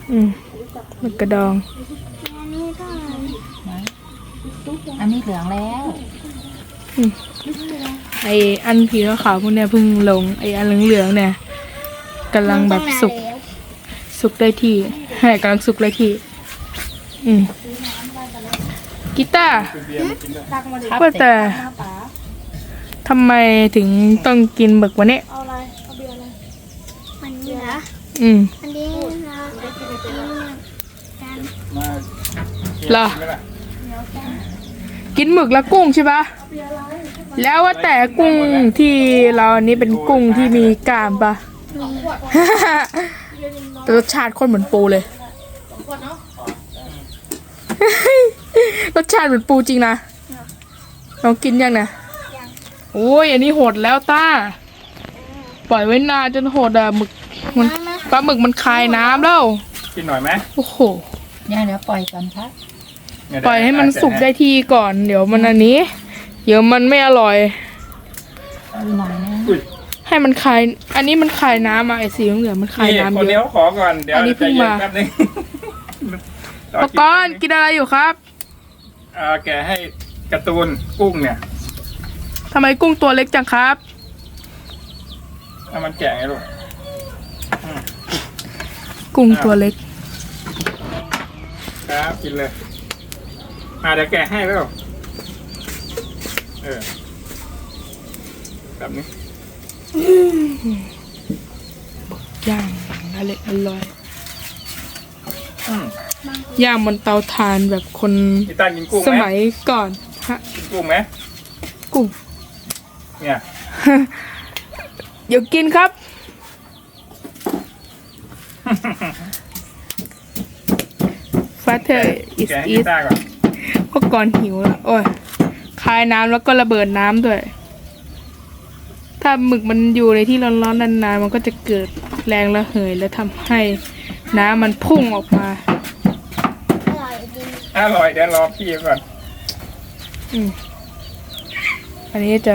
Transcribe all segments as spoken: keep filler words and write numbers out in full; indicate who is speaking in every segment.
Speaker 1: อืมหมึกกระดอง
Speaker 2: อันนี้เหลืองแล้ว
Speaker 1: อืมไออันผีขาวๆพวกเนี้ยเพิ่งลงไออันเหลืองๆเนี่ยกำลังแบบสุกสุกได้ที่ให้กำลังสุกได้ที่อืมกีตาร์ว่าแต่ทำไมถึงต้องกินหมึกวันนี้
Speaker 3: มันนี่เหรอ
Speaker 1: อืม
Speaker 3: อันนี้เรากัน
Speaker 1: เหรอกินหมึกแล้วกุ้งใช่ปะแล้วว่าแต่กุ้งที่เราอันนี้เป็นกุ้งที่มีกล้ามปะ แต่รสชาติคนเหมือนปูเลยรสชาติเหมือนปูจริงนะลองกินยังนะโอ้ยอันนี้โหดแล้วต้าปล่อยไว้นานจนโหดอ่ะหมึกมันปลาหมึกมันคายน้ำแล้ว
Speaker 4: กินหน่อยไหม
Speaker 1: โอ้โห
Speaker 2: ย่าเดี๋ยวปล่อยก่อนครับ
Speaker 1: ปล่อยให้มันสุกได้ที่ก่อนเดี๋ยวมันอันนี้เดี๋ยวมันไม่อร่อย
Speaker 2: หน่อยนะ
Speaker 1: ให้มันคายอันนี้มันคายน้ำอ่ะไอสีเหลืองมันคายน้ำเยอะ
Speaker 4: คนนี้ขอก่อนเดี๋ยว
Speaker 1: อันนี้เพิ่งมาปกรณ์กินอะไรอยู่ครับ
Speaker 4: อ่าแกให้การ์ตูนกุ้งเนี่ย
Speaker 1: ทำไมกุ้งตัวเล็กจังครับ
Speaker 4: เอามันแกะไงลูก
Speaker 1: กุ้งตัวเล็ก
Speaker 4: ครับกินเลยมาเดี๋ยวแกะให้แล้วเออแบบนี้
Speaker 1: ย่างอร่อยอร่อยย่างบนเตาถ่านแบบคนสมัยก่อนฮะ
Speaker 4: กินกุ้งไหม
Speaker 1: กุ้ง
Speaker 4: เนี่ย
Speaker 1: เดี๋ยวกินครับฟาเธอร์อิสอิสพวกก่อนหิวแล้วโอ้ยคายน้ำแล้วก็ระเบิดน้ำด้วยถ้าหมึกมันอยู่ในที่ร้อนๆนานๆมันก็จะเกิดแรงระเหยและทำให้น้ำมันพุ่งออกมา
Speaker 3: อร่อยจริง
Speaker 4: อร่อยเดี๋ยวรอพี่ก่อน
Speaker 1: อืมอันนี้จะ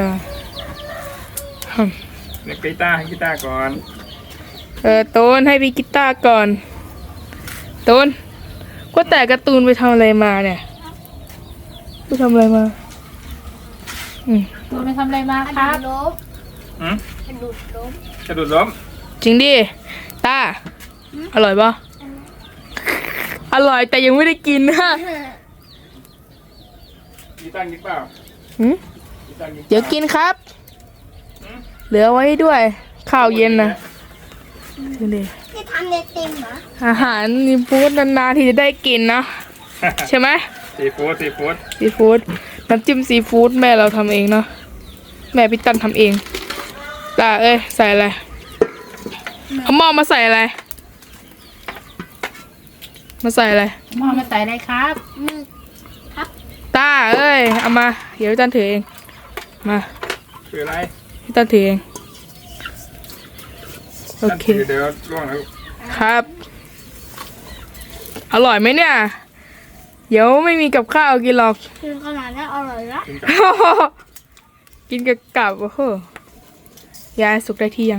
Speaker 4: เด็กกีตาร์ให้กีตาร์ก่อน
Speaker 1: เออตูนให้พี่กีตาร์ก่อนตูนก็แต่การ์ตูนไปทำอะไรมาเนี่ยไปทำอะไรมาอืม
Speaker 2: ตูนไปทำอะไรมาครับ
Speaker 3: ล้ม
Speaker 4: อืม
Speaker 3: กระดูดล้ม
Speaker 4: กระดูดล้ม
Speaker 1: จริงดิตาอร่อยปะอร่อยแต่ยังไม่ได้กินนะ
Speaker 4: กีตาร์กินเปล่า
Speaker 1: หืมเดี๋ยวกินครับเหลือไว้ด้วยข้าวเย็นนะดูดิ
Speaker 3: นี่ทำเด็ดเต็มเหรอ
Speaker 1: อาหารนี่พูดนานๆที่จะได้กินนะใช่ไหม
Speaker 4: ซีฟู้ดซีฟู้ด
Speaker 1: ซีฟู้ดน้ำจิ้มซีฟู้ดแม่เราทำเองเนาะแม่พี่ตันทำเองตาเอ้ยใส่อะไรเอาหม้อมาใส่อะไรมาใส่อะไร
Speaker 2: หม้อมาใส่อะไรครับ
Speaker 3: ครับ
Speaker 1: ตาเอ้ยเอามาเดี๋ยวพี่ตันถือเองมา
Speaker 4: ถืออะไร
Speaker 1: พี่ตันถือเองโอเค
Speaker 4: เดี๋ยวล่วงแล้ว
Speaker 1: ครับอร่อยไหมเนี่ยเดี๋ยวไม่มีกับข้าวกินหรอก
Speaker 3: กินขนาดนี้อร่อยละ
Speaker 1: กินกับกับโอ้โหยายสุกได้ที่ยัง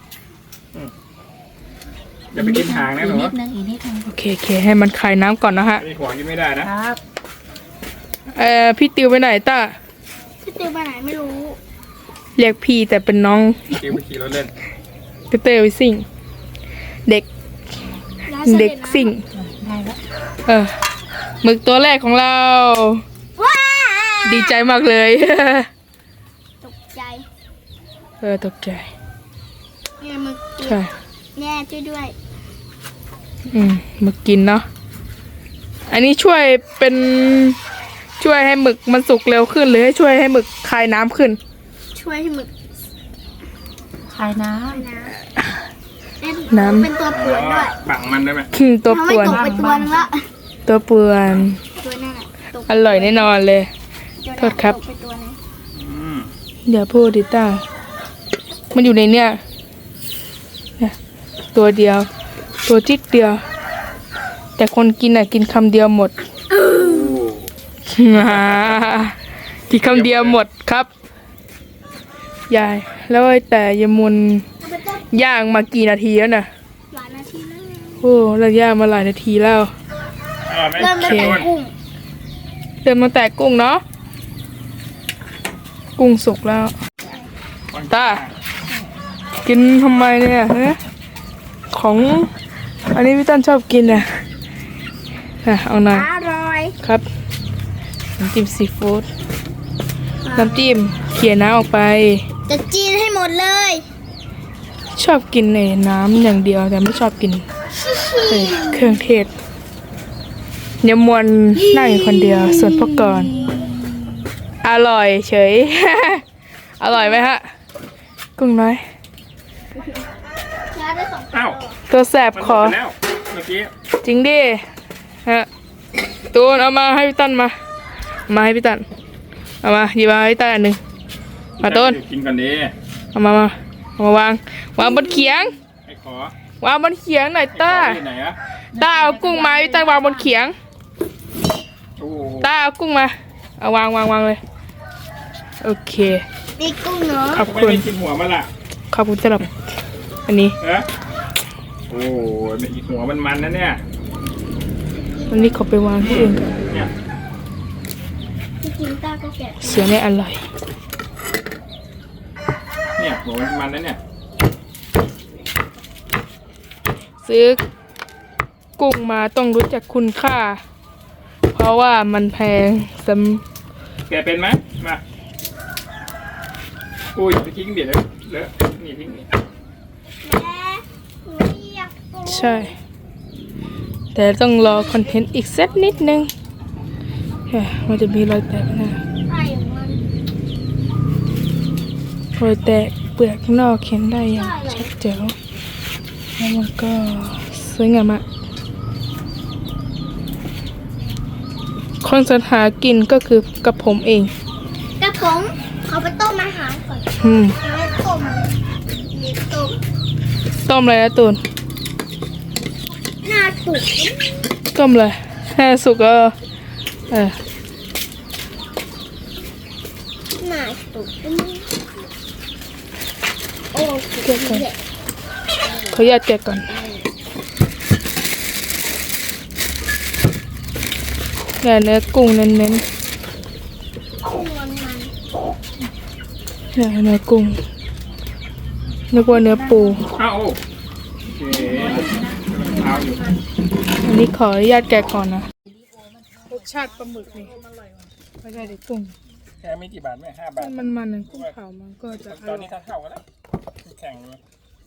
Speaker 4: อย่าไปกินหางนะหนู
Speaker 2: อีกนิดนึงอีกนิดนึง
Speaker 1: โอเคโอเคให้มันคายน้ำก่อนนะฮะ
Speaker 4: มีหัวกินไม่ได้นะครับ
Speaker 1: เอ่อพี่ติวไปไหนต้า
Speaker 3: พี่ติวไปไหนไม่รู้
Speaker 1: เรียกพี่แต่เป็นน้อง
Speaker 4: ติวไปขี่รถเล่น
Speaker 1: พี่เตยไปซิ่งเด็กเด็กซิ่งเออหมึกตัวแรกของเราดีใจมากเลย
Speaker 3: ตกใจ
Speaker 1: เออตกใจ
Speaker 3: แม่มึกกินแม่ช่วยด้วย
Speaker 1: อืมหมึกกินเนาะอันนี้ช่วยเป็นช่วยให้หมึกมันสุกเร็วขึ้นหรือให้ช่วยให้หมึกคายน้ำขึ้น
Speaker 3: ช่วยให้หมึก
Speaker 2: คายน้
Speaker 3: ำน้ำเป็นตัวป่วนด้วย
Speaker 4: บังมันได้ไหม
Speaker 1: ตัวป่วน
Speaker 3: ตกไปตัวนึงละ
Speaker 1: ตัวป่วน
Speaker 3: ตัวนั่น
Speaker 1: แหละอร่อยแน่นอนเลยโทษครับเดี๋ยวพูดดิต้ามันอยู่ในเนี้ยตัวเดียวตัวจิ๊ดเดียวแต่คนกินอ่ะกินคำเดียวหมดกินคำเดียวหมดครับยายแล้วแต่ยมุนย่างมากี่นาทีแล้วน่ะ
Speaker 3: หลายนาทีแล้ว
Speaker 1: โอ้เราย่างมาหลายนาทีแล้ว
Speaker 4: อร่อยไหม
Speaker 3: เริ่มตั้งแต่
Speaker 4: โดน
Speaker 3: กุ้ง
Speaker 1: เดินมาแต่กุ้งเนาะกุ้งสุกแล้ว ตา กินทำไมเนี่ยฮะของอันนี้พี่ตั้นชอบกินนะอ่ะเอาหน่อย
Speaker 3: อร่อย
Speaker 1: ครับน้ำจิ้มซีฟู้ดน้ำจิ้มเขี่ยน้ำออกไป
Speaker 3: จะจีนให้หมดเลย
Speaker 1: ชอบกินในน้ำอย่างเดียวแต่ไม่ชอบกินเอ่อเครื่องเทศยำมวนนั่งอยู่คนเดียวส่วนพวกก่อนอร่อยเฉย อร่อยไหมฮะกุ้งน้อย
Speaker 3: ยาได้สอง
Speaker 4: อ้าว
Speaker 1: ตัวแสบ
Speaker 4: มัน
Speaker 1: ค
Speaker 4: หม
Speaker 1: อ
Speaker 4: ดไปแล้วเมื่อกี้
Speaker 1: จริงดิฮะตูนเอามาให้พี่ตั้นมา มาให้พี่ตั้นเอามาหยิบมาให้พี่ตั้นอันหนึ่งมาตูน
Speaker 4: เดี๋ยวกินกันดี
Speaker 1: เอามามาเอามาวางวางบนเขียง
Speaker 4: ไอ้ขอ
Speaker 1: วางบนเขียงหน่อย
Speaker 4: ไอ้ขอ
Speaker 1: ต้า
Speaker 4: ที่ไหนอะ
Speaker 1: ต้าเอากุ้งมาให้พี่ตั้นวางบนเขียง
Speaker 4: โอ้โห
Speaker 1: ต้าเอากุ้งมาเอาวางวางวางเลยโอเค
Speaker 3: นี่กุ้งเนาะ
Speaker 1: ขอบ
Speaker 4: ไม่
Speaker 1: คุณ
Speaker 4: ได้กินหัวมันล่ะ
Speaker 1: ขอบคุณสำหรับอันนี้
Speaker 4: เออโอ้โหอีกหัวมันมันนะเนี่ย
Speaker 1: อันนี้เขาไปวางที่อื่นกัน
Speaker 4: เนี่ย
Speaker 3: ที่กินตาก็แกะ
Speaker 1: เสียไม่อร่อย
Speaker 4: เนี่ยหัวมันมันนะเนี่ย
Speaker 1: ซื้อกุ้งมาต้องรู้จักคุณค่า เพราะว่ามันแพงส
Speaker 4: แกเป็นไหมมาอุ้ยไปทิ้งเดี๋ยวเลอะเลอะนี่ทิ้งนี่
Speaker 3: แม่หนูอยากกุ้ง
Speaker 1: ำใช่ แต่ต้องรอคอนเทนต์อีกสักนิดนึงเฮ้ยมันจะมีรอยแตกนะ
Speaker 3: ไข่มัน
Speaker 1: รอยแตกเปลือกข้างนอกเห็นได้อย่างชัดเจนแล้วมันก็สวยงามมากคนสรรหากินก็คือกับผมเอง
Speaker 3: กระผมเขาไปต้มอาหารก่อน
Speaker 1: อืม
Speaker 3: แล้วต้มนี่ต้ม
Speaker 1: ต้มอะไรนะตูน
Speaker 3: หน้าสุก
Speaker 1: ต้มเลยแค่สุกก็เออ
Speaker 3: หน้าสุกโอ้เกิดอะไร
Speaker 1: ขออนุญาตแกะก่อนเนี่ยเนื้อกุ้งเน้น
Speaker 3: กุ้งมันมัน
Speaker 1: ๆเนี่ยเนื้อกุ้งนึกว่าเนื้อปู
Speaker 4: อ้าวโอ้โอเคเอาอยู่
Speaker 1: อันนี้ขออนุญาตแกะก่อนนะรสชาติปลาหมึกนี่ไม่ใช่เด็กกุ้ง
Speaker 4: แค่ไม่กี่บาทไหมห้าบาท
Speaker 1: มันมันๆนะกุ้งเผามันก็จะอ
Speaker 4: ตอน
Speaker 1: ร่อ
Speaker 4: นี้
Speaker 1: ย
Speaker 4: ถ้าเท่ากันแล้วแข่งเลย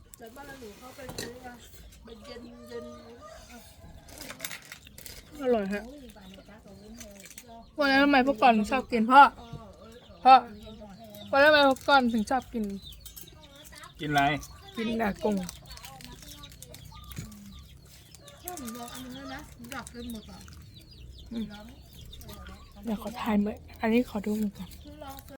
Speaker 1: อร่อยฮะวันนั้นทำไมพวกก่อนถึงชอบกินพ่อพ่อวันนั้นทำไมพวกก่อนถึงชอบกิน
Speaker 4: กินอะไร
Speaker 1: กินหนากุ้งเดี๋ยวขอถ่ายมืออันนี้ขอดูมือก่อน